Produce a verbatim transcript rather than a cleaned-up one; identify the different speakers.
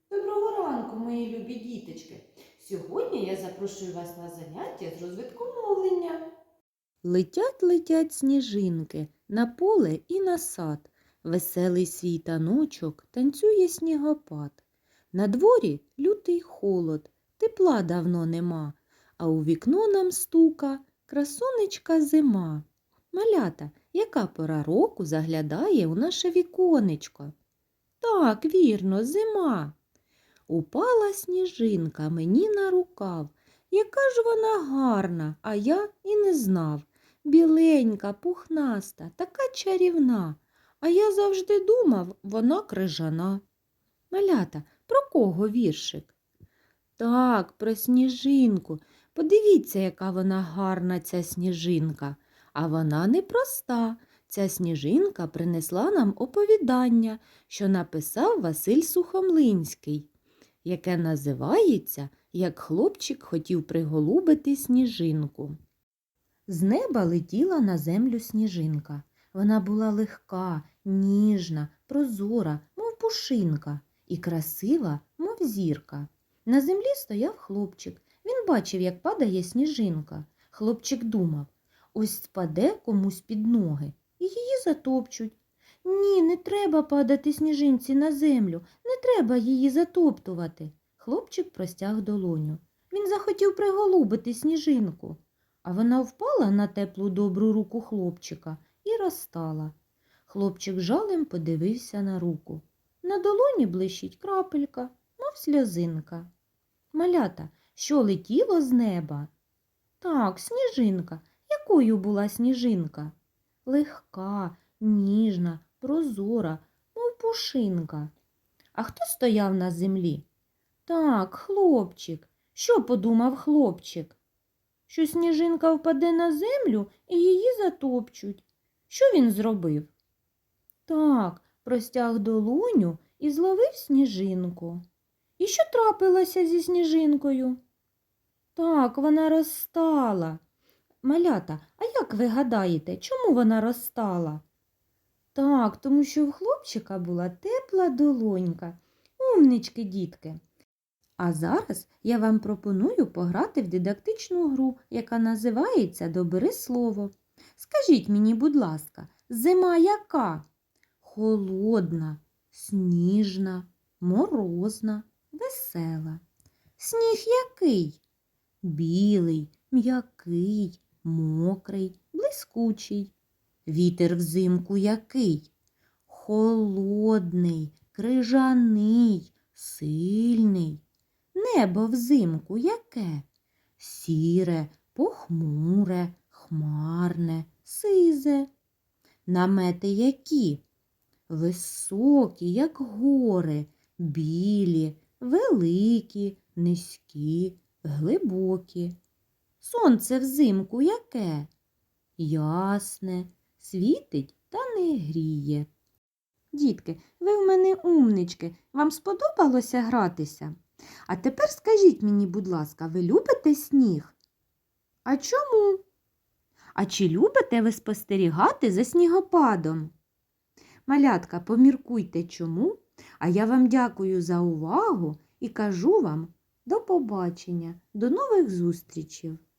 Speaker 1: Доброго ранку, мої любі діточки! Сьогодні я запрошую вас на заняття з розвитку мовлення.
Speaker 2: Летять, летять сніжинки на поле і на сад. Веселий свій таночок танцює снігопад. На дворі лютий холод, тепла давно нема, а у вікно нам стука красунечка зима. Малята, яка пора року заглядає у наше віконечко? Так, вірно, зима. Упала сніжинка мені на рукав. Яка ж вона гарна, а я і не знав. Біленька, пухнаста, така чарівна, а я завжди думав, вона крижана. Малята, про кого віршик? Так, про сніжинку. Подивіться, яка вона гарна, ця сніжинка. А вона непроста. Ця сніжинка принесла нам оповідання, що написав Василь Сухомлинський, яке називається «Як хлопчик хотів приголубити сніжинку». З неба летіла на землю сніжинка. Вона була легка, ніжна, прозора, мов пушинка, і красива, мов зірка. На землі стояв хлопчик. Він бачив, як падає сніжинка. Хлопчик думав, ось спаде комусь під ноги і її затопчуть. Ні, не треба падати сніжинці на землю, не треба її затоптувати. Хлопчик простяг долоню. Він захотів приголубити сніжинку. А вона впала на теплу добру руку хлопчика і розтала. Хлопчик жалем подивився на руку. На долоні блищить крапелька, мов сльозинка. Малята, що летіло з неба? Так, сніжинка. Якою була сніжинка? Легка, ніжна, прозора, мов пушинка. А хто стояв на землі? Так, хлопчик. Що подумав хлопчик? Що сніжинка впаде на землю і її затопчуть. Що він зробив? Так, простяг долоню і зловив сніжинку. І що трапилося зі сніжинкою? Так, вона розтала. Малята, а як ви гадаєте, чому вона розтала? Так, тому що в хлопчика була тепла долонька. Умнички, дітки! А зараз я вам пропоную пограти в дидактичну гру, яка називається «Добери слово». Скажіть мені, будь ласка, зима яка? Холодна, сніжна, морозна, весела. Сніг який? Білий, м'який, мокрий, блискучий. Вітер взимку який? Холодний, крижаний, сильний. Небо взимку яке? Сіре, похмуре, хмарне, сизе. Намети які? Високі, як гори, білі, великі, низькі, глибокі. Сонце взимку яке? Ясне, світить та не гріє. Дітки, ви в мене умнички. Вам сподобалося гратися? А тепер скажіть мені, будь ласка, ви любите сніг? А чому? А чи любите ви спостерігати за снігопадом? Малятка, поміркуйте чому, а я вам дякую за увагу і кажу вам до побачення, до нових зустрічей.